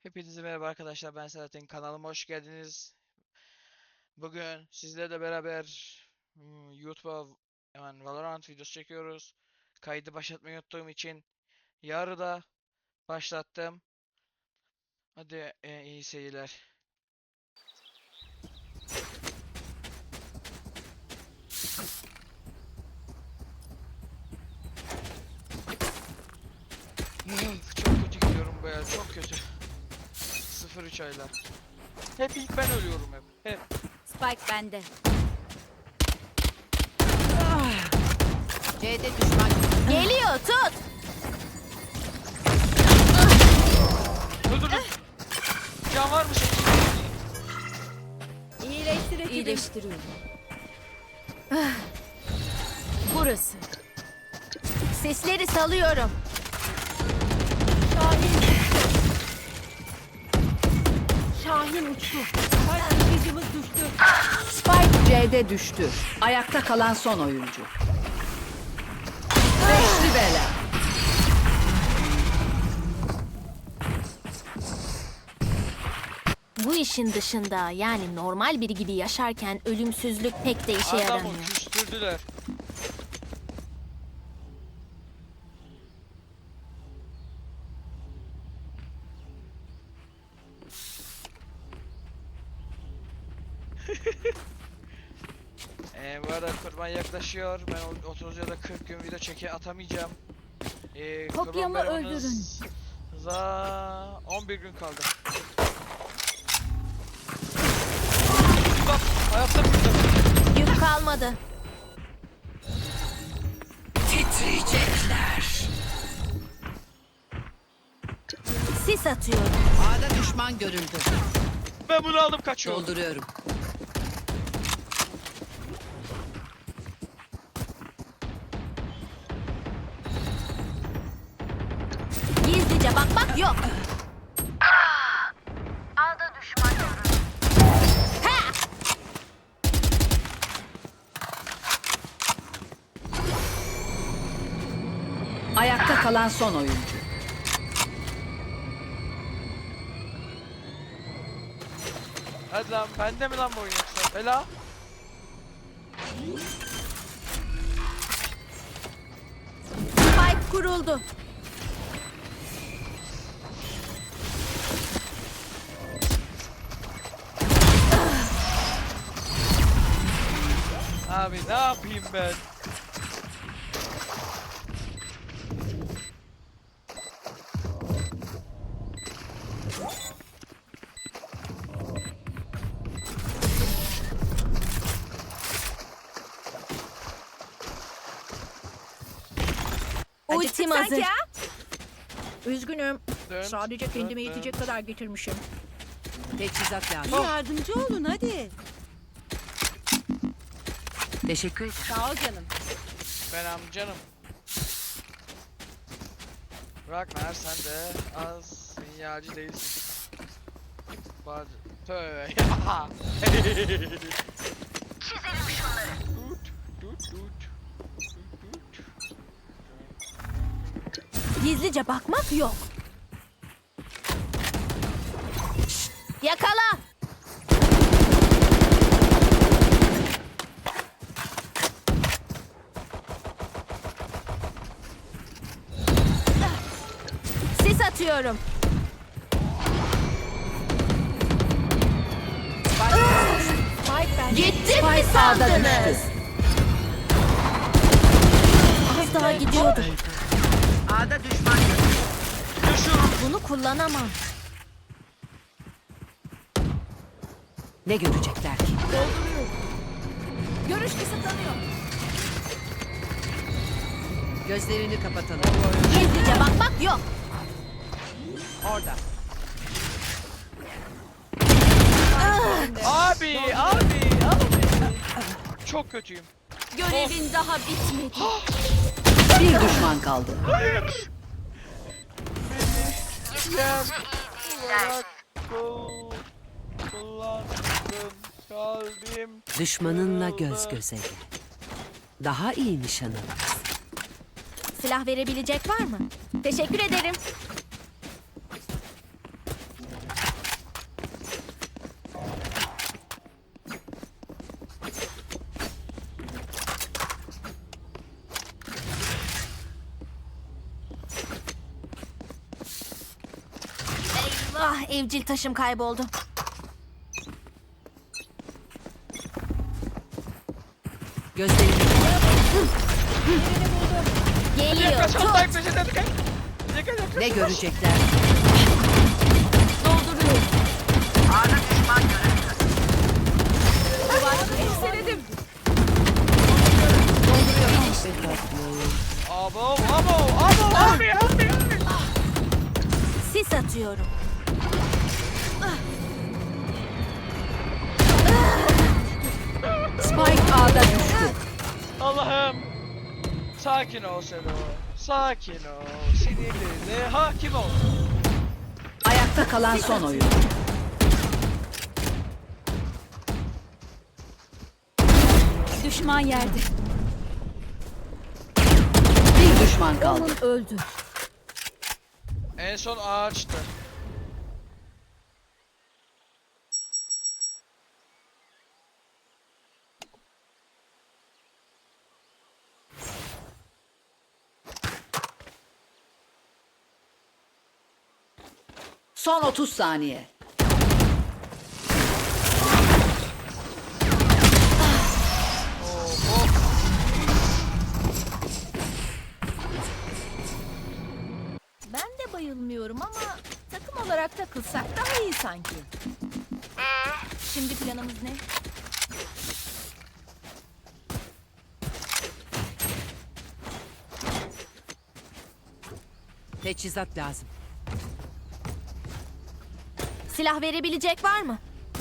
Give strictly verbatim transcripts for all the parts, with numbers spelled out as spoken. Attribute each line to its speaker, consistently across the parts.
Speaker 1: Hepinize merhaba arkadaşlar, ben Selahattin, kanalıma hoş geldiniz. Bugün sizlerle beraber hmm, YouTube'a hemen Valorant videosu çekiyoruz. Kaydı başlatmayı unuttuğum için yarıda başlattım. Hadi e, iyi seyirler. Üf, çok kötü gidiyorum bu ya, çok kötü. sıfır üç aylar. Hep ilk ben ölüyorum hep. Hep.
Speaker 2: Spike bende. C'de düşman. Geliyor, tut.
Speaker 1: Öldürdüm. Can var mı şey?
Speaker 2: İyileştir İyileştiriyorum. Ah. Burası. Sesleri salıyorum. Şahin. Şahin uçtu. Taşıyıcımız düştü.
Speaker 3: Spike C'de düştü. Ayakta kalan son oyuncu. Beşli bela.
Speaker 2: Bu işin dışında yani normal biri gibi yaşarken ölümsüzlük pek de işe
Speaker 1: Adamı
Speaker 2: yaramıyor.
Speaker 1: küstürdüler. Ee, bu arada kurban yaklaşıyor. Ben o- otuz ya da kırk gün video çeke atamayacağım. Ee,
Speaker 2: Kopyamı
Speaker 1: kurban
Speaker 2: öldürün.
Speaker 1: bayramınıza on bir gün kaldı. Bak, hayatta burada.
Speaker 2: Yük kalmadı.
Speaker 3: Titriyecekler.
Speaker 2: Sis atıyorum.
Speaker 3: A'da düşman görüldü.
Speaker 1: Ben bunu aldım, kaçıyorum.
Speaker 3: Dolduruyorum.
Speaker 2: Gizlice bakmak yok.
Speaker 3: Ayakta kalan son oyuncu.
Speaker 1: Hadi lan, bende mi lan bu oyun yoksa? Bela.
Speaker 2: Spike kuruldu.
Speaker 1: Abi ne yapayım ben?
Speaker 2: Ultim hazır.
Speaker 4: Üzgünüm.
Speaker 1: Dön,
Speaker 4: Sadece
Speaker 1: dön,
Speaker 4: kendime
Speaker 1: dön.
Speaker 4: yetecek kadar getirmişim.
Speaker 3: Teçhizat lazım.
Speaker 1: Oh.
Speaker 5: Yardımcı olun hadi.
Speaker 3: Teşekkür ederim.
Speaker 5: Sağ ol canım.
Speaker 1: Ben amcanım. Ragnar, sen de az sinyalci değilsin. Bacı. Tövbe. Çizelim şunları. Tut, tut, tut. Tut, tut.
Speaker 2: Gizlice bakmak yok. Yakala. Sis atıyorum. Gittim mi
Speaker 3: Spike A'da
Speaker 2: sandınız?
Speaker 3: düştü.
Speaker 2: Az daha gidiyordu.
Speaker 3: A'da düşman görüldü.
Speaker 1: Yaşıyorum.
Speaker 2: Bunu kullanamam.
Speaker 3: Ne görecekler ki?
Speaker 2: Görüş kısıtlanıyor.
Speaker 3: Gözlerini kapatalım.
Speaker 2: Gizlice bakmak yok.
Speaker 3: Orada.
Speaker 1: Abi, abi, abi. Çok kötüyüm.
Speaker 2: Görevin daha bitmedi.
Speaker 3: Bir düşman kaldı.
Speaker 1: Gel. Olarak kul- kullandım. Kalbim.
Speaker 6: Düşmanınla göz göze gel. Daha iyi nişan alır.
Speaker 2: Silah verebilecek var mı? Teşekkür ederim. Ah, evcil taşım kayboldu.
Speaker 6: Gözlerini
Speaker 2: Geliyor.
Speaker 1: Kaç
Speaker 2: Tut.
Speaker 1: oldu peşinden kaç. Dikkat et.
Speaker 6: ne görecekler?
Speaker 2: Dolduruyorum.
Speaker 1: Abo abo abo abi abi.
Speaker 2: Sis atıyorum.
Speaker 3: Spike A'da düştü.
Speaker 1: Allah'ım. Sakin ol Selo. Sakin ol. Sinirlerine hakim ol.
Speaker 3: Ayakta kalan son oyuncu.
Speaker 2: Düşman yerde.
Speaker 3: Bir düşman kaldı.
Speaker 2: Öldü.
Speaker 1: En son ağaçtı.
Speaker 3: Son otuz saniye.
Speaker 1: Oh, oh.
Speaker 2: Ben de bayılmıyorum ama takım olarak takılsak daha iyi sanki. Şimdi planımız ne?
Speaker 6: Teçhizat lazım.
Speaker 2: Silah verebilecek var mı?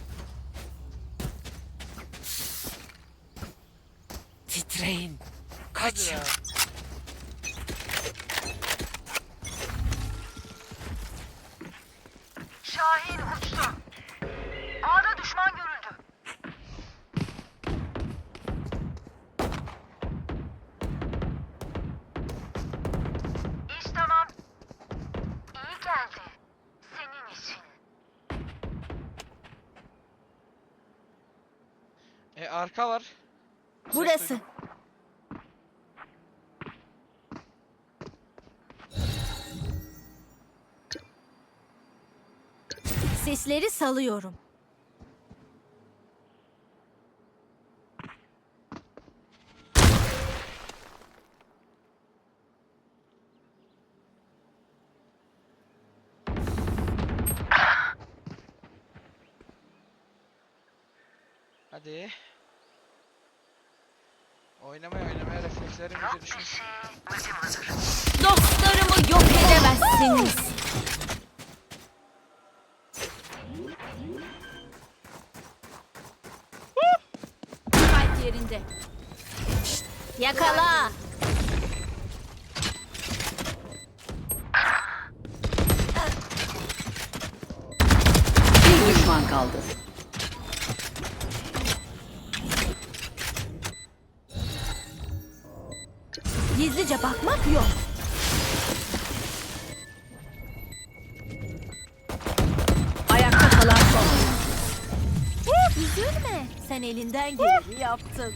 Speaker 6: Titreyin.
Speaker 1: Hadi
Speaker 6: Kaç.
Speaker 1: ya.
Speaker 5: Şahin uçtu. A'da düşman görüldü. İş tamam. İyi geldi. Senin için.
Speaker 1: E arka var. Ses
Speaker 2: Burası.
Speaker 1: duydum.
Speaker 2: Sesleri salıyorum.
Speaker 1: Hadi. Oynamaya oynamaya reflekslerim iyice düşmüş.
Speaker 2: Dostlarımı yok edemezsiniz. Kalp yerinde. Şşt, yakala.
Speaker 3: Bir düşman kaldı.
Speaker 2: Gizlice bakmak yok.
Speaker 3: Ayakta kalan son oyuncu.
Speaker 2: Üzülme. Sen elinden geleni yaptın.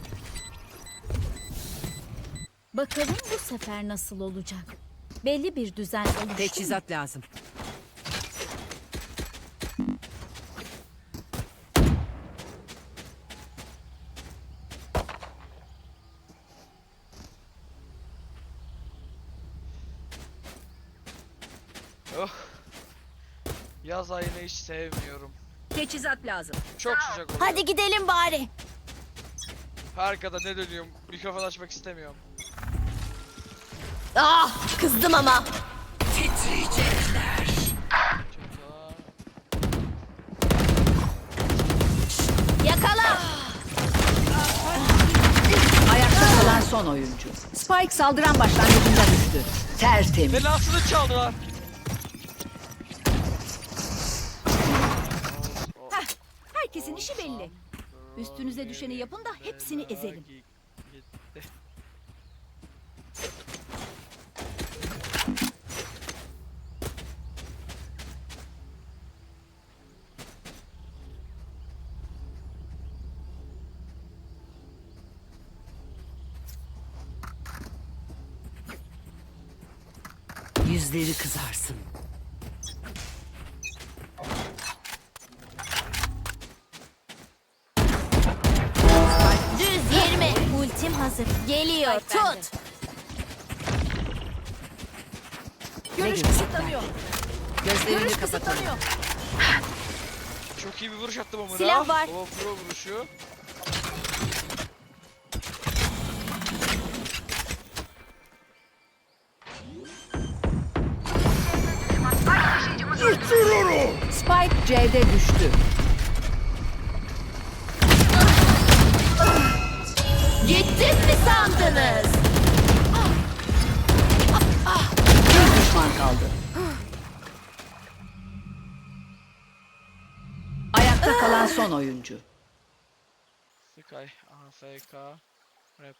Speaker 2: Bakalım bu sefer nasıl olacak? Belli bir düzen oluştu mu?
Speaker 6: Teçhizat lazım.
Speaker 1: Oh. Yaz ayını hiç sevmiyorum.
Speaker 3: Teçhizat lazım.
Speaker 1: Çok sıcak oluyor.
Speaker 2: Hadi gidelim bari.
Speaker 1: Arkada ne dönüyorum? Mikrofon açmak istemiyorum.
Speaker 2: Ah, kızdım ama.
Speaker 6: Titriyecekler.
Speaker 2: Yakala.
Speaker 3: Ayakta kalan son oyuncu. Spike saldıran başlangıcında düştü. Tertemiz.
Speaker 1: Belasını çaldılar.
Speaker 4: Herkesin işi belli. Üstünüze düşeni yapın da hepsini ezelim.
Speaker 1: Gitti.
Speaker 6: Yüzleri kızarsın.
Speaker 2: hazır. Geliyor.
Speaker 4: Spike bende.
Speaker 2: Tut.
Speaker 3: Ne
Speaker 2: Görüş
Speaker 3: görecekler?
Speaker 2: kısıtlanıyor.
Speaker 3: Gözlerini
Speaker 2: Görüş
Speaker 3: kapatalım.
Speaker 2: kısıtlanıyor.
Speaker 1: Çok iyi bir vuruş attım ama.
Speaker 2: Silah var.
Speaker 1: O pro vuruşu.
Speaker 3: Spike C'de düştü.
Speaker 2: Gittim mi sandınız?
Speaker 3: Bir düşman kaldı. Ayakta kalan son oyuncu.
Speaker 1: Sky. A F K. Rap.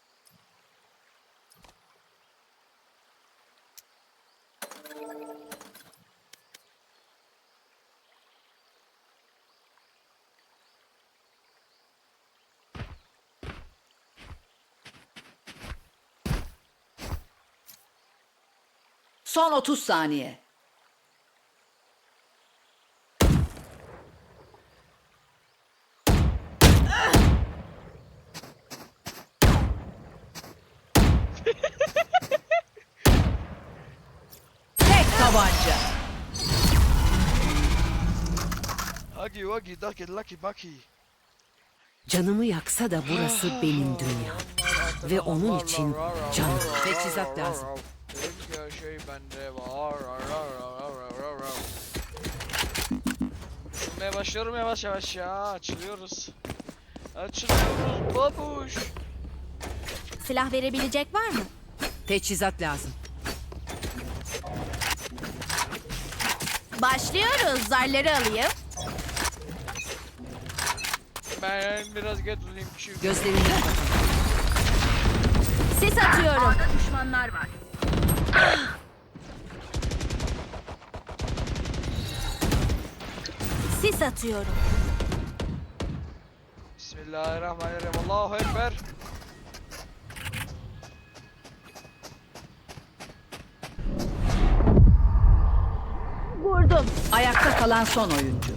Speaker 3: Son otuz saniye. Tek tabanca.
Speaker 1: Huggy wuggy ducky lucky bucky.
Speaker 6: Canımı yaksa da burası benim dünyam. Ve onun için can. Teçhizat lazım.
Speaker 1: Her şey bende var. Düşünmeye başlıyorum yavaş yavaş ya. Açılıyoruz. Açılıyoruz babuş.
Speaker 2: Silah verebilecek var mı?
Speaker 6: Teçhizat lazım.
Speaker 2: Başlıyoruz. Zarları alayım.
Speaker 1: Ben biraz get uzayım çünkü.
Speaker 6: Gözlerini kapatalım.
Speaker 2: Sis atıyorum.
Speaker 5: Düşmanlar var.
Speaker 2: Sis atıyorum.
Speaker 1: Bismillahirrahmanirrahim. Allahu Ekber.
Speaker 2: Vurdum.
Speaker 3: Ayakta kalan son oyuncu.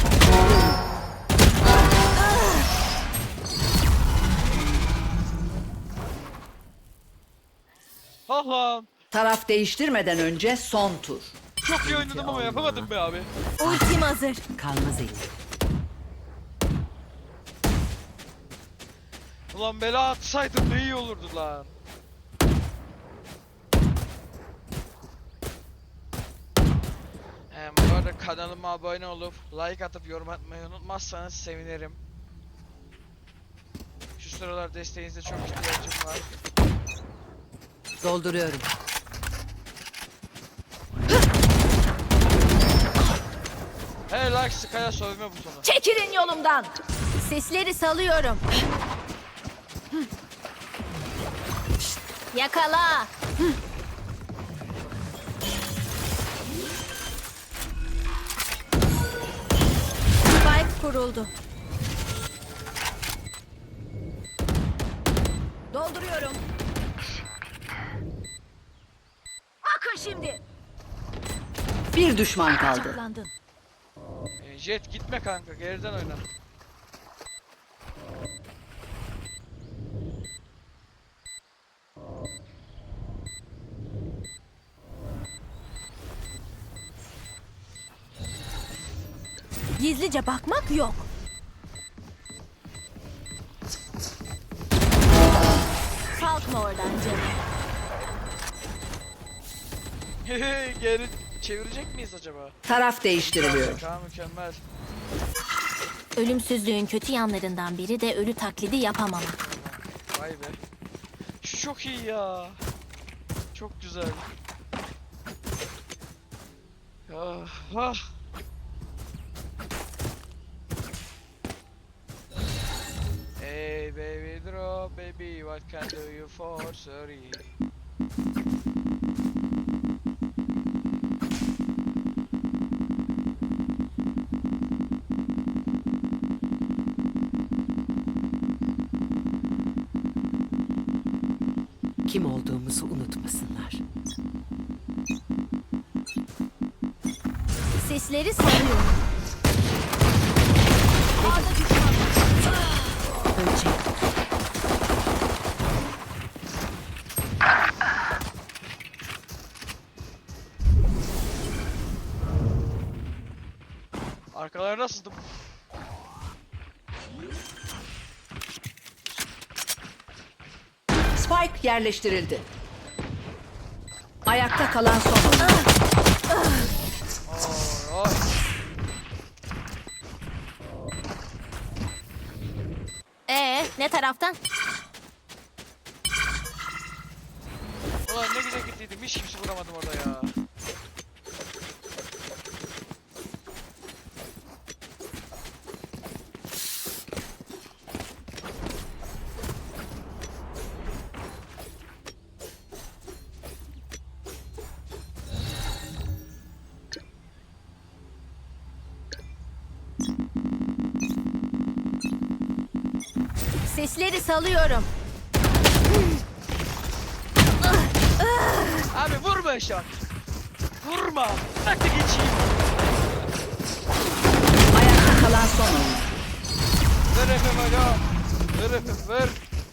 Speaker 1: Allah'ım.
Speaker 3: Taraf değiştirmeden önce son tur.
Speaker 1: Çok iyi oynadım ama yapamadım be abi.
Speaker 2: Ultim hazır.
Speaker 6: Kalmaz elim.
Speaker 1: Ulan bela atsaydım ne iyi olurdu lan. Ee, bu arada kanalıma abone olup like atıp yorum atmayı unutmazsanız sevinirim. Şu sıralar desteğinize çok ihtiyacım var.
Speaker 6: Dolduruyorum.
Speaker 1: Hey like Sky'a sövme butonu.
Speaker 2: Çekilin yolumdan. Sesleri salıyorum. Yakala. Spike kuruldu.
Speaker 4: Dolduruyorum.
Speaker 2: Bakın şimdi.
Speaker 3: Bir düşman kaldı.
Speaker 2: Saklandın.
Speaker 1: Ee, Jet gitme kanka, geriden oyna.
Speaker 2: Gizlice bakmak yok. Kalkma oradan canım.
Speaker 1: Geri çevirecek miyiz acaba?
Speaker 3: Taraf değiştiriliyor.
Speaker 1: Kanka mükemmel.
Speaker 2: Ölümsüzlüğün kötü yanlarından biri de ölü taklidi yapamamak.
Speaker 1: Vay be. Şu çok iyi ya. Çok güzel. Ah, ah. Hey baby drop baby, what can do you for sorry?
Speaker 6: Kim olduğumuzu unutmasınlar.
Speaker 2: Sesleri sarıyorum.
Speaker 6: Ölecek.
Speaker 1: Arkalarına sızdım.
Speaker 3: Spike yerleştirildi. Ayakta kalan son oyuncu.
Speaker 1: Oy, oy.
Speaker 2: Ee, ne taraftan?
Speaker 1: Ulan ne güzel gittiydim. Hiç kimse vuramadım orada ya.
Speaker 2: Sesleri salıyorum.
Speaker 1: Abi vurma eşat. Vurma. Bırak da geçeyim.
Speaker 3: Ayakta kalan son oyuncu.
Speaker 1: Ver efem aga. Ver efem ver.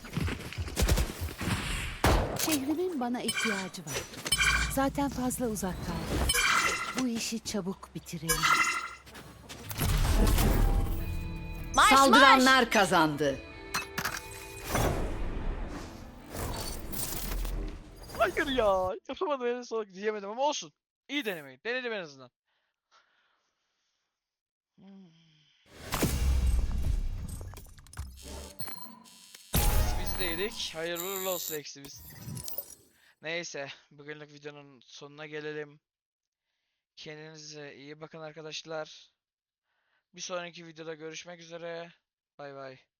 Speaker 7: Şehrimin bana ihtiyacı var. Zaten fazla uzak kaldım. Bu işi çabuk bitirelim.
Speaker 2: Marş marş.
Speaker 3: Saldıranlar kazandı.
Speaker 1: Hayır ya. Yapamadım en son diyemedim ama olsun. İyi denemeyi. Denedim en azından. Hmm. Biz de yedik. Hayırlı uğurlu olsun eksimiz. Neyse. Bugünlük videonun sonuna gelelim. Kendinize iyi bakın arkadaşlar. Bir sonraki videoda görüşmek üzere. Bay bay.